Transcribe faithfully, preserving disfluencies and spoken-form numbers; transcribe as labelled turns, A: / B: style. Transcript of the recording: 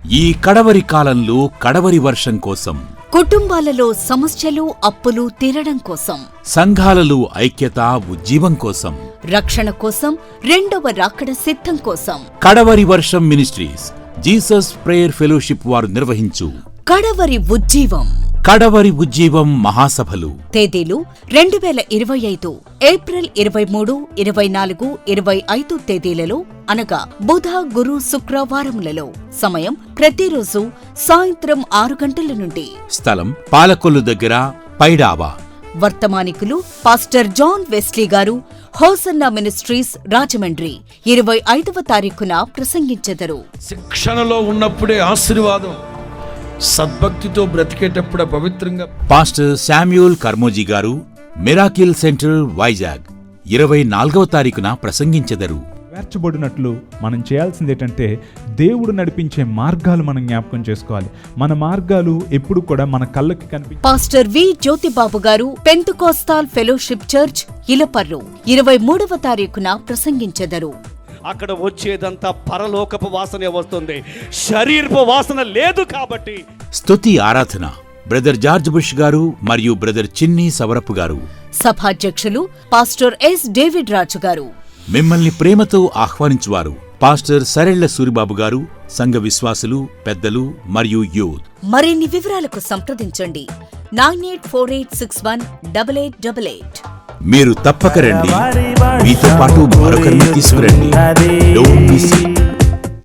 A: ఈ కడవరి కాలంలో కడవరి వర్షం కోసం,
B: కుటుంబాలలో సమస్యలు అప్పులు తీరడం కోసం,
A: సంఘాలలో ఐక్యత ఉజ్జీవం కోసం,
B: రక్షణ కోసం, రెండవ రాకడ సిద్ధం కోసం
A: కడవరి వర్షం మినిస్ట్రీస్ జీసస్ ప్రేయర్ ఫెలోషిప్ వారు నిర్వహించు
B: కడవరి ఉజ్జీవం
A: కడవరి ఉజ్జీవం మహాసభలు.
B: తేదీలు రెండు వేల ఇరవై ఐదు ఏప్రిల్ ఇరవై మూడు, ఇరవై నాలుగు, ఇరవై ఐదు తేదీలలో అనగా బుధ, గురు, శుక్రవారములలో. సమయం ప్రతిరోజు సాయంత్రం ఆరు గంటల నుండి.
A: స్థలం పాలకొల్లు దగ్గర పైడావా.
B: వర్తమానికులు పాస్టర్ జాన్ వెస్లీ గారు, హోసన్నా మినిస్ట్రీస్, రాజమండ్రి. ఇరవై ఐదవ తారీఖున ప్రసంగించెదరు.
C: శిక్షణలో ఉన్నప్పుడే ఆశీర్వాదం, సద్భక్తితో బ్రతికేటప్పుడే పవిత్రంగా.
A: పాస్టర్ శామ్యూల్ కర్మోజీ గారు, మిరాకిల్ సెంటర్, వైజాగ్. ఇరవై నాలుగవ తారీఖున ప్రసంగించెదరు.
D: వేర్చబడినట్లు మనం చేయాల్సింది ఏంటంటే దేవుడు నడిపించే మార్గాలు మనం జ్ఞాపకం చేసుకోవాలి. మన మార్గాలు ఎప్పుడు కూడా మన కళ్ళకి కనిపి.
B: పాస్టర్ వి జ్యోతిబాబు గారు, పెంతుకోస్తాల్ ఫెలోషిప్ చర్చ్, ఇలపర్రు. ఇరవై మూడవ తారీఖున ప్రసంగించెదరు.
E: అక్కడ వచ్చేదంతా పరలోకపు వాసనే వస్తుంది, శరీరపు వాసన లేదు. కాబట్టి
A: స్తుతి ఆరాధన బ్రదర్ జార్జ్ బుష్ గారు మరియు బ్రదర్ చిన్ని సవరపు గారు.
B: సభాధ్యక్షులు పాస్టర్ ఎస్ డేవిడ్ రాజు గారు.
A: మిమ్మల్ని ప్రేమతో ఆహ్వానించువారు పాస్టర్ సరెళ్ల సూరిబాబు గారు, సంఘ విశ్వాసులు, పెద్దలు మరియు యూత్.
B: మరిన్ని వివరాలకు సంప్రదించండి nine eight four eight six one double eight double eight.
A: మీరు తప్పక రండి, మీతో పాటు మరొకరిని తీసుకురండి. Don't miss it.